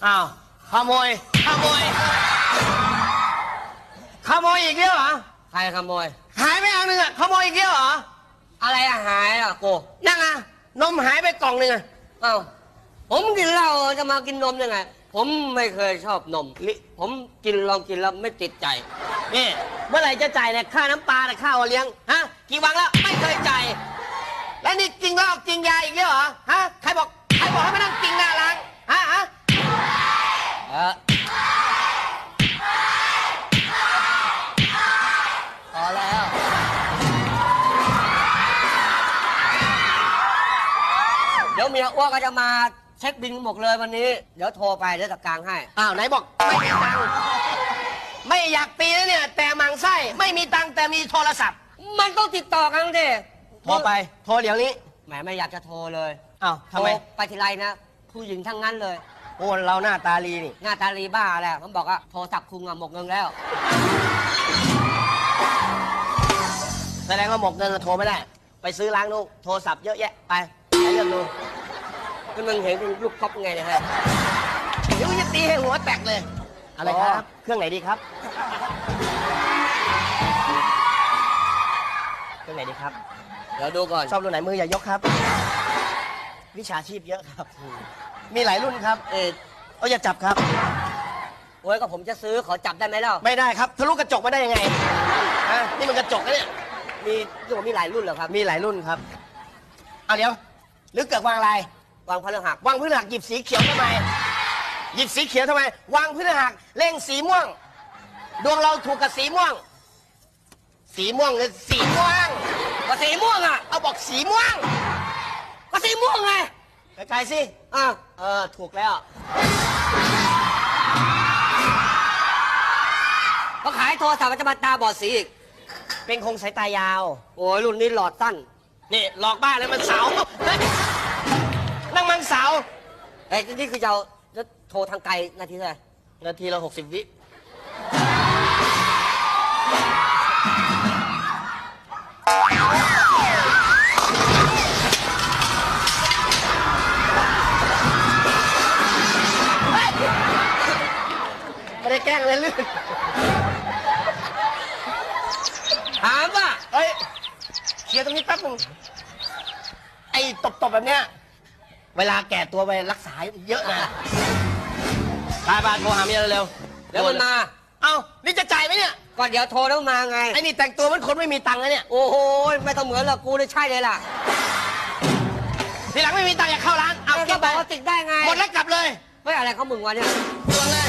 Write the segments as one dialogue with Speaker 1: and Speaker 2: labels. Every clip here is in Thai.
Speaker 1: อ้าวขโมยขโมยขโมยอีกแล้วเหรอ
Speaker 2: ใครขโมย
Speaker 1: หายไปอันหนึ่งอะขโมยอีกแล้วเหรอ
Speaker 2: อะไรอะหายอะโก
Speaker 1: นั่งอะนมหายไปกล่องหนึ่งอะ
Speaker 2: เอ้าผมกินเหล้าจะมากินนมยังไงผมไม่เคยชอบนมผมลองกินแล้วไม่ติดใจ
Speaker 1: นี่เมื่อไหร่จะจ่ายเนี่ยค่าน้ำปลาเนี่ยค่าโอเลี้ยงฮะกี่วันแล้วไม่เคยจ่ายแล้วนี่กินเหล้ากินยาอีกแล้วเหรอฮะใครบอกให้มานั่งกินหน้าร้านฮะ
Speaker 2: พอแล้วเดี๋ยวเมียอ้วกก็จะมาเช็คบินหมดเลยวันนี้เดี๋ยวโทรไปเดี๋ยวจัดการให้
Speaker 1: อ้าวไหนบอกไม่มีตังค์ไม่อยากตีนะเนี่ยแต่มังไส้ไม่มีตังค์แต่มีโทรศัพท์
Speaker 2: มันต้องติดต่อกันดิ
Speaker 1: โทรไปโทรเดี๋ยวนี้
Speaker 2: แหมไม่อยากจะโทรเลย
Speaker 1: อ้าวทำไม
Speaker 2: ไปทีไรนะผู้หญิงทั้งนั้นเลย
Speaker 1: โอ้เราหน้าตาลีนี่
Speaker 2: หน้าตาลีบ้าแหละผมบอกว่าโทรศัพท์คุงอะหมกเงินแล้ว
Speaker 1: แสดงว่าหมกเงินโทรไม่ได้ไปซื้อล้างลูกโทรศัพท์เยอะแยะไปเรื่องดู
Speaker 2: ก็มึงเห็นเป็นลูกก๊อปไงเนี่ยฮะ
Speaker 1: เดี๋ยวจะตีให้หัวแตกเลยอะไรครับเครื่องไหนดีครับเครื่องไหนดีครับ
Speaker 2: เดี๋ยวดูก่อน
Speaker 1: ชอบรุ่นไหนมืออย่ายกครับวิชาชีพเยอะครับมีหลายรุ่นครับอย่าจับครับ
Speaker 2: โอ้ยก็ผมจะซื้อขอจับได้ไหมเล่า
Speaker 1: ไม่ได้ครับทะลุกระจกมาได้ยังไงนี่มันกระจกนะเนี่ย
Speaker 2: มีหลายรุ่นเหรอครับ
Speaker 1: มีหลายรุ่นครับเอาเดี๋ยวหรือเกิดวางอะไร
Speaker 2: วางพฤหัส
Speaker 1: วางพฤหัสหยิบสีเขียวทำไมหยิบสีเขียวทำไมวางพฤหัสเล่งสีม่วงดวงเราถูกกับสีม่วงสีม่วงหรือสีม่วง
Speaker 2: ก็สีม่วงอ่ะ
Speaker 1: เอาบอกสีม่วง
Speaker 2: ก็สีม่วงไง
Speaker 1: ไกลๆสิถูกแล้ว
Speaker 2: ก็ขายโทรศัพท์มันจะมาตาบอดสีอีก
Speaker 1: เป็นคงสายตายาว
Speaker 2: โอ้ยรุ่นนี้หลอดสั้น
Speaker 1: นี่หลอกบ้าเลยมันเสานั่งมันเสา
Speaker 2: นี่คือจะโทรทางไกลนาทีเท่าไหร่
Speaker 1: นาทีละ60 วิไม่ได้แกล้งเลยลื่น
Speaker 2: ถามว่า
Speaker 1: เคลียร์ตรงนี้แป๊บนึงไอ้ตบแบบเนี้ยเวลาแก่ตัวไปรักษาเยอะนะไปโทรหาเมียเร็ว
Speaker 2: เดี๋ยวมันมา
Speaker 1: นี่จะจ่ายไหมเนี่ย
Speaker 2: ก่อนเดี๋ยวโทรแล้วมาไง
Speaker 1: ไอ้นี่แต่งตัวมันคนไม่มีตังค์นะเนี่ย
Speaker 2: โอ้โหไม่ต้องเหมือนหรอกกูเลยใช่เลยล่ะ
Speaker 1: ทีหลังไม่มีตังค์อย่าเข้าร้าน
Speaker 2: ก็บอกว่าติดได้ไง
Speaker 1: หมดแล้วกลับเลย
Speaker 2: เฮ้ยอะไรเขามึงวะเนี่ย
Speaker 1: ตัวเลย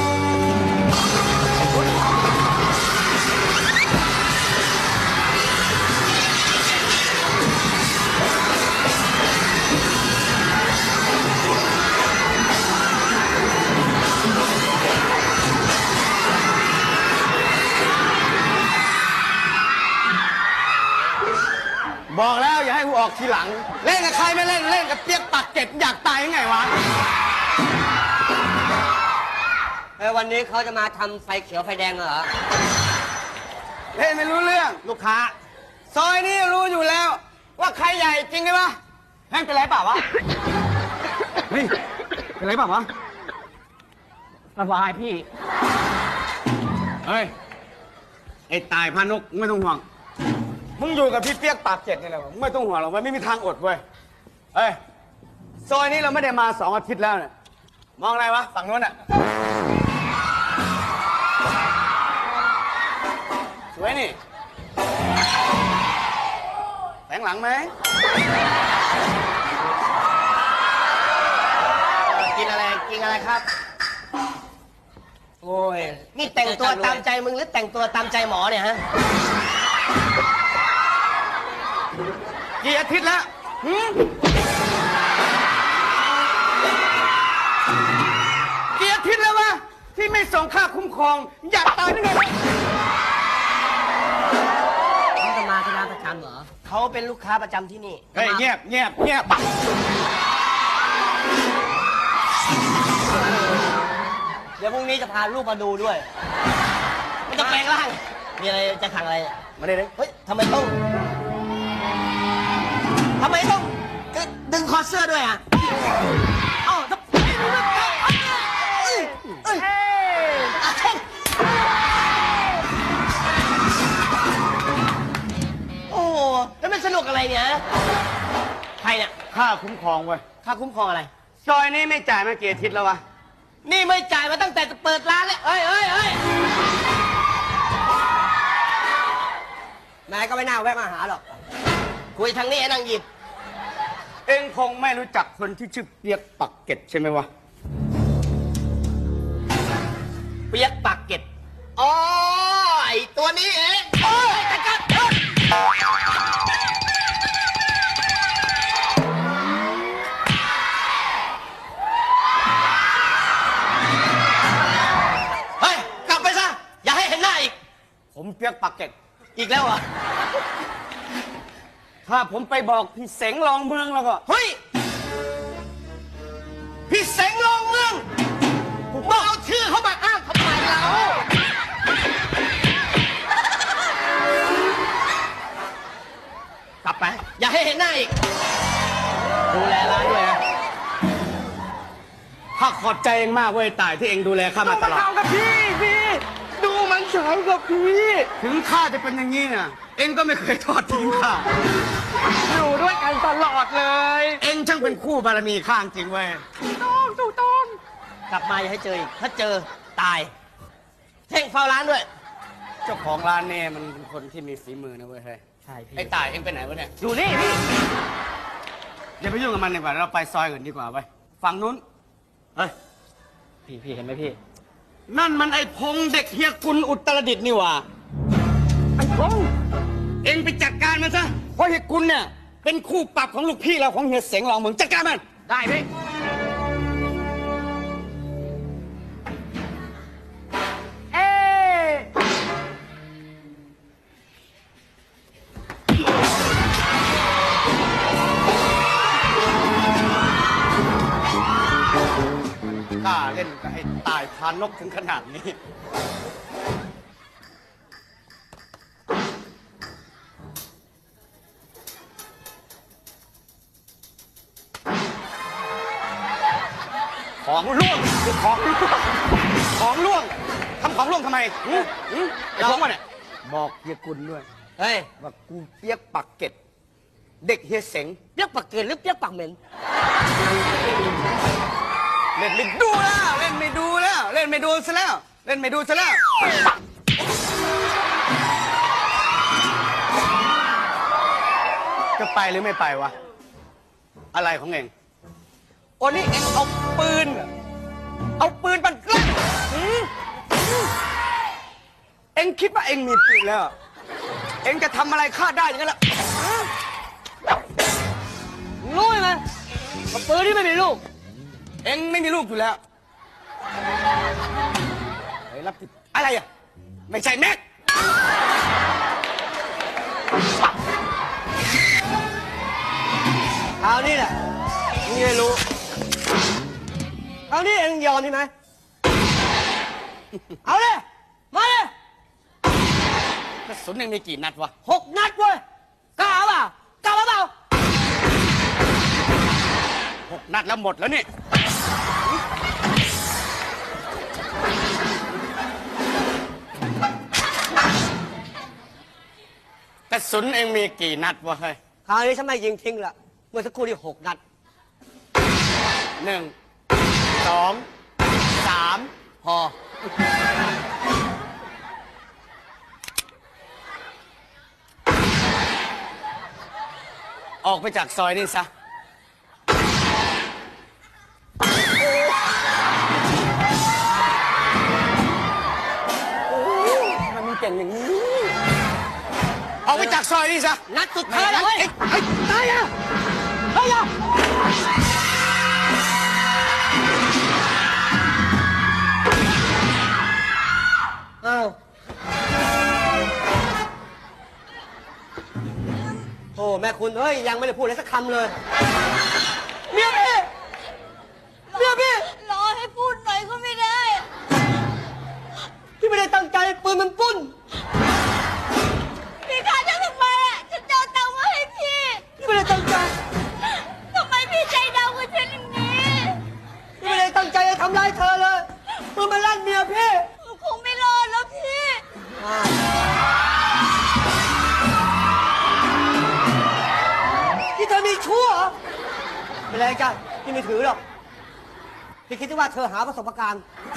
Speaker 3: บอกแล้วอย่าให้กูออกทีหลังเล่นกับใครไม่เล่นเล่นกับเปียกปากเก็ดอยากตายยังไงวะ
Speaker 2: วันนี้เขาจะมาทำไฟเขียวไฟแดงเหรอ
Speaker 3: เล่นไม่รู้เรื่องลูกค้าซอยนี้รู้อยู่แล้วว่าใครใหญ่จริงไหมวะแม่งเป็นไรเปล่าวะเฮ้ยเป็นไรเปล่าวะ
Speaker 1: สบายพี่
Speaker 3: เฮ้ยไอ้ตายพานุกไม่ต้องห่วงมึงอยู่กับพี่เปียกปากเจ็ดนี่แหละไม่ต้องห่วงหรอกไม่มีทางอดเว้ยเฮ้ยซอยนี้เราไม่ได้มา2 อาทิตย์แล้วเนี่ยมองอะไรวะฝั่งนู้นอ่ะสวยนี่แสงหลังไหม
Speaker 1: กินอะไรครับ
Speaker 2: โอ้ย
Speaker 1: นี่แต่งตัวตามใจมึงหรือแต่งตัวตามใจหมอเนี่ยฮะ
Speaker 3: กี่อาทิตย์แล้วกี่อาทิตย์แล้ววะที่ไม่ส่งค่าคุ้มครองอยากตายได้ไง
Speaker 2: เขาจะมาที่ร้านประจำเหรอ
Speaker 1: เขาเป็นลูกค้าประจำที่นี่
Speaker 3: เฮ้ยเงียบ
Speaker 1: เดี๋ยวพรุ่งนี้จะพาลูกมาดูด้วยมันจะแปลงร่างมีอะไรจะสั่งอะไร
Speaker 3: มาเลย
Speaker 1: เฮ้ยทำไมต้องดึงคอเสื้อด้วยอ่ะสนุกอะไรเนี่ยใครเนี่ย
Speaker 3: ค่าคุ้มครองเว้ย
Speaker 1: ค่าคุ้มครองอะไร
Speaker 3: ซอยนี้ไม่จ่ายมากี่อาทิตย์แล้ววะ
Speaker 1: นี่ไม่จ่ายมาตั้งแต่เปิดร้านเลยเอ้ย
Speaker 2: นายก็ไม่น่าแวะมาหาหรอก
Speaker 1: คุยทางนี้ไอ้นางหยิบ
Speaker 3: เองคงไม่รู้จักคนที่ชื่อเปียกปักเก็ตใช่ไหมวะ
Speaker 1: เปียกปากเกร็ดอ๋อไอ้ตัวนี้เองโอ้ยจัดการเฮ้ยกลับไปซะอย่าให้เห็นหน้าอีก
Speaker 3: ผมเปียกปักเก็ต
Speaker 1: อีกแล้วเหรอ
Speaker 3: ถ้าผมไปบอกพี่เสงรองเมืองแล้วก็
Speaker 1: เฮ้ย พี่เสงลงเมืองมาเอาชื่อเขามาอ้างทำไมเรากลับไป อย่าให้เห็นหน้าอีก ดูแลร้านด้วยนะ
Speaker 3: ข้าขอบใจเองมากเว้ยตายที่เองดูแลข้ามาตลอด
Speaker 2: กับพี่ดูมันสาวกับพี่
Speaker 3: ถึงข้าจะเป็นอย่างนี้น่ะ เองก็ไม่เคยทอดทิ้งข้า
Speaker 2: อยู่ด้วยกันตลอดเลย
Speaker 3: เองช่างเป็นคู่บารมีข้างจริงเว้ย
Speaker 2: ถูกต้อง
Speaker 1: กลับมาอย่าให้เจออีก ถ้าเจอตาย เท่งเฝ้าร้านด้วย
Speaker 3: เจ้าของร้านเนี่ยมันเป็นคนที่มีฝีมือนะเว้ยเฮ้ย
Speaker 1: ใช่พี่
Speaker 3: ไอ้ตายเองไปไหนวะเนี่ย
Speaker 1: อยู่นี่พี่
Speaker 3: อย่าไปยุ่งกับมันดีกว่าเราไปซอยอื่นดีกว่าไปฝั่งนู้น เฮ้ย
Speaker 1: พี่เห็นไหมพี่
Speaker 3: นั่นมันไอ้พงษ์เด็กเฮียกุลอุตรดิตถ์นี่หว่า
Speaker 2: ไอ้พงษ์
Speaker 3: เองไปจัดการมันซะ เพราะเฮียกุลเนี่ยเป็นคู่ปรับของลูกพี่เราของเฮียเสงรองเมืองจัดการมัน
Speaker 1: ได้พี่
Speaker 2: เอ๊ะ
Speaker 3: กล้าเล่นกับไอ้ตายพานกถึงขนาดนี้ ของล่วงของล่วงของล่วงทำของล่วงทำไมไอ้พงษ์วะเนี่ยบอกเฮียกุลด้วย
Speaker 1: เฮ้ย
Speaker 3: ว่ากูเปียกปักเก็ตเด็กเฮียเสง
Speaker 2: เปียกปากเกินหรือเปียกปากเหม็น
Speaker 3: เล่นไม่ดูแล้วเล่นไม่ดูแล้ว เล่นไม่ดูซะแล้ว เล่นไม่ดูซะแล้ว จะไปหรือไม่ไปวะ อะไรของเอง
Speaker 2: โอ้นี่เอ็งเอาปืนเหรอเอาปืนมันแกล้ง
Speaker 3: เอ็งคิดว่าเอ็งมีปืนแล้ว เอ็งจะทำอะไรข้าได้อย่างนั้นละ
Speaker 2: รู้ไหมว่าปืนที่ไม่มีลูก
Speaker 3: เอ็งไม่มีลูกอยู่แล้วเฮ้ยรับผิดอะไรอ่ะ ไม่ใช่แม็ก
Speaker 2: เอานี่แหละมึงจะรู้เอานี่เอ็งยอมใช่ไหมเอาเลยมาเลย
Speaker 3: กระสุนเอ็งมีกี่นัดวะ
Speaker 2: 6 นัดเว้ยกล้าเปล่ากล้าเปล่า
Speaker 3: 6 นัดแล้วหมดแล้วนี่ กระสุนเอ็งมีกี่นัดวะเฮ้ย
Speaker 2: คราวนี้ฉันไม่ยิงทิ้งละเมื่อสักครู่ที่6 นัด
Speaker 3: 1 2 3
Speaker 2: พอ
Speaker 3: ออกไปจากซอยนี่ซะ มันมีเก่งอย่างนี้ ออกไปจากซอยนี่ซะ
Speaker 2: นัดสุดท้ายแล้วเว้ย
Speaker 3: เฮ้ยตายอ่ะ
Speaker 2: เฮ้ยอะอ้าวโอ้แม่คุณเฮ้ยยังไม่ได้พูดอะไรสักคำเลยเมียพี่เมียพี่
Speaker 4: รอให้พูดหน่อยก็ไม่ได้
Speaker 2: พี่ไม่ได้ตั้งใจปืนมันปุ้น
Speaker 4: พี่ฆ่าฉันทำไมอ่ะฉันจะเอาตังค์มาให้พี่
Speaker 2: พี่ไม่ได้ตั้งใจ
Speaker 4: ทำไมพี่ใจดำกับฉันอย่างนี้
Speaker 2: พี่ไม่ได้ตั้งใจจะทำร้ายเธอเลยปืนมันลั่นเมียพี่
Speaker 4: คงไม่รอดแล้วพี่
Speaker 2: อ้าวชู้เหรอไม่เป็นไรจ้ะพี่ไม่ถือหรอกพี่คิดว่าเธอหาประสบการณ์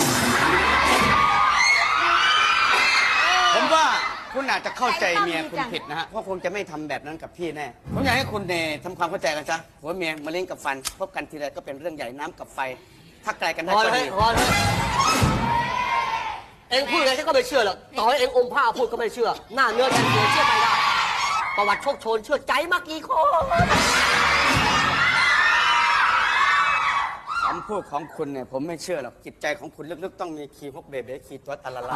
Speaker 3: ผมว่าคุณอาจจะเข้าใจเมียคุณผิดนะฮะเพราะคงจะไม่ทำแบบนั้นกับพี่แน่ผมอยากให้คุณเนี่ยทำความเข้าใจกันซะหัวเมียมะเร็งกับฟันพบกันทีไรก็เป็นเรื่องใหญ่น้ำกับไฟถ้าไกลกันได้
Speaker 2: พอ
Speaker 3: ก็
Speaker 2: เลย
Speaker 3: ดี
Speaker 2: พอเลยเอ็งพูดอะไรฉันก็ไม่เชื่อหรอกต่อให้เอ็งอมผ้าพูดก็ไม่เชื่อ หน้าเนื้อแทนตัวเชื่อไม่ได้ประวัติโชคโชนเชื่อใจมากี่คน
Speaker 3: คำพูดของคุณเนี่ยผมไม่เชื่อหรอกจิตใจของคุณลึกๆต้องมีคีย์ฮกเบเบ้คีย์ตัวตะละละ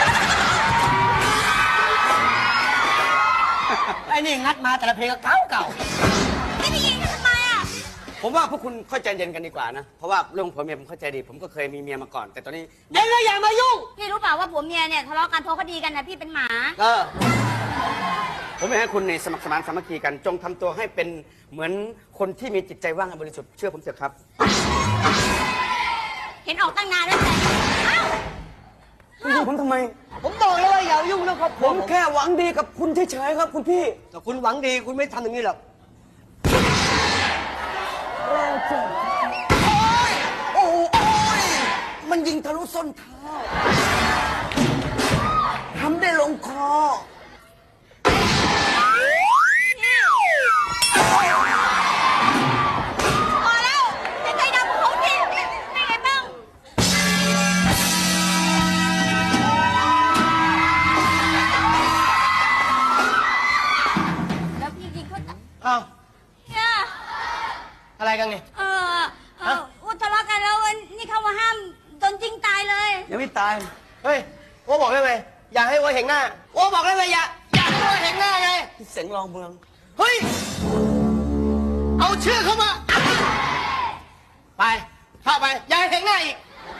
Speaker 2: ไอ้นี่งัดมาแต่ละเพลงก็เก่า
Speaker 4: ไม่ได้ยินกันทำไมอ่ะ
Speaker 3: ผมว่าพวกคุณเข้าใจเย็นกันดีกว่านะเพราะว่าเรื่องผัวเมียผมเข้าใจดี ผมก็เคยมีเมียมาก่อน แต่ตอนนี้
Speaker 2: เอ็งก็อย่ามายุ่ง
Speaker 4: พี่รู้เปล่าว่าผัวเมียเนี่ยทะเลาะกันเพราะคดีกันนะพี่เป็นหมา
Speaker 3: ผมอยากให้คุณในสมัครสมานสามัคคีกันจงทำตัวให้เป็นเหมือนคนที่มีจิตใจว่างและบริสุทธิ์เชื่อผมเถอะครับ
Speaker 4: เห็นออกตั้งนานแล้วแต่เอ้า
Speaker 3: คุณดูผมทำไม
Speaker 2: ผมบอกแล้วว่าอย่ายุ่งเรื่องครอบค
Speaker 3: ผ
Speaker 2: รัว
Speaker 3: มแค่หวังดีกับคุณเฉยๆครับ คุณพี่
Speaker 2: แต่คุณหวังดีคุณไม่ทำอย่างนี้หรอก
Speaker 3: โอ้ยมันยิงทะลุส้นเท้าทำได้ลงคอ
Speaker 4: พอแล้วจะใจดำของเขาสิเป็นไงบ้างแล้วพี่ยิงเขา
Speaker 1: อ้าว
Speaker 4: เนี่ย
Speaker 1: อะไรกันเนี่ย
Speaker 4: อุทะเลาะกันแล้วนี่เข้ามาห้ามโดนจริงตายเลย
Speaker 3: ยังไม่ตาย
Speaker 1: เฮ้ยโอ้บอกได้ไหมอย่าให้วัวเห็นหน้าโอ้บอกได้ไหมอย่าให้วัวเห็นหน้าไง
Speaker 3: เสียงรองเมือง
Speaker 1: เฮ้ยเอาชื่อเข้ามาไปเข้าไปอย่าให้เห็นหน้าอีก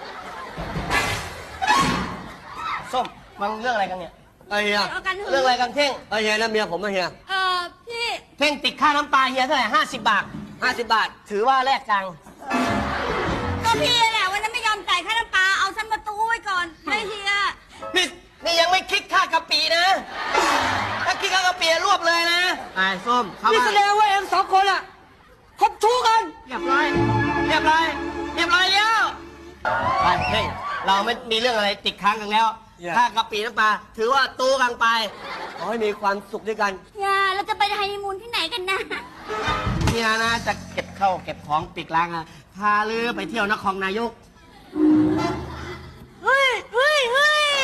Speaker 1: ส้มมันเรื่องอะไรกันเนี่ย
Speaker 2: ไอ้เฮีย
Speaker 4: ทะเลาะกันหึ
Speaker 1: เรื่องอะไรกันเท่ง
Speaker 2: ไอ้เฮียนะเมียผมนะเฮีย
Speaker 4: พี่
Speaker 1: เท่งติดค่าน้ำปลาเฮียเท่าไหร่50 บาท
Speaker 2: 50 บาท
Speaker 1: ถือว่าแลกจัง
Speaker 4: ก็พี่แหละวันนั้นไม่ยอมจ่ายค่าน้ำปลาเอาฉันมาตู้ไว้ก่อนไม่เฮีย
Speaker 1: นี่ยังไม่คิดค่ากะปินะ ถ้าคิดค่ากะปิรวบเลยนะไอ้ส้มเข้า
Speaker 2: นี่
Speaker 1: มา
Speaker 2: แสดงว่าเอ็งสองคนอะคบชู้กัน
Speaker 1: เรียบร้อยเรียบร้อยเรียบร้อยแล้วไปเท่งเราไม่มีเรื่องอะไรติดค้างกันแล้วค่ากะปิน้ำปลาถือว่าตู้กันไป
Speaker 2: ขอให้มีความสุขด้วยกัน
Speaker 4: อย่าเราจะไปฮันนีมูนที่ไหนกันนะ
Speaker 1: เนี่ยนะจะเก็บเข้าเก็บของปิดร้านอะพาลือไปเที่ยวนครนายก
Speaker 4: เฮ้ยเฮ้ยเฮ้ย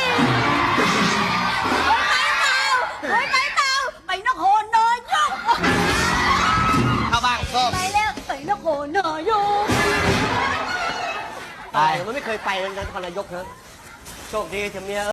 Speaker 4: ไปเปล่าไปเปล่าไปนครนายก
Speaker 1: เข้าบ้างส้ม
Speaker 4: ไปแล้วไปนครนายก
Speaker 2: ไปมันไม่เคยไปนครนายกนะโชคดีเถอะเมีย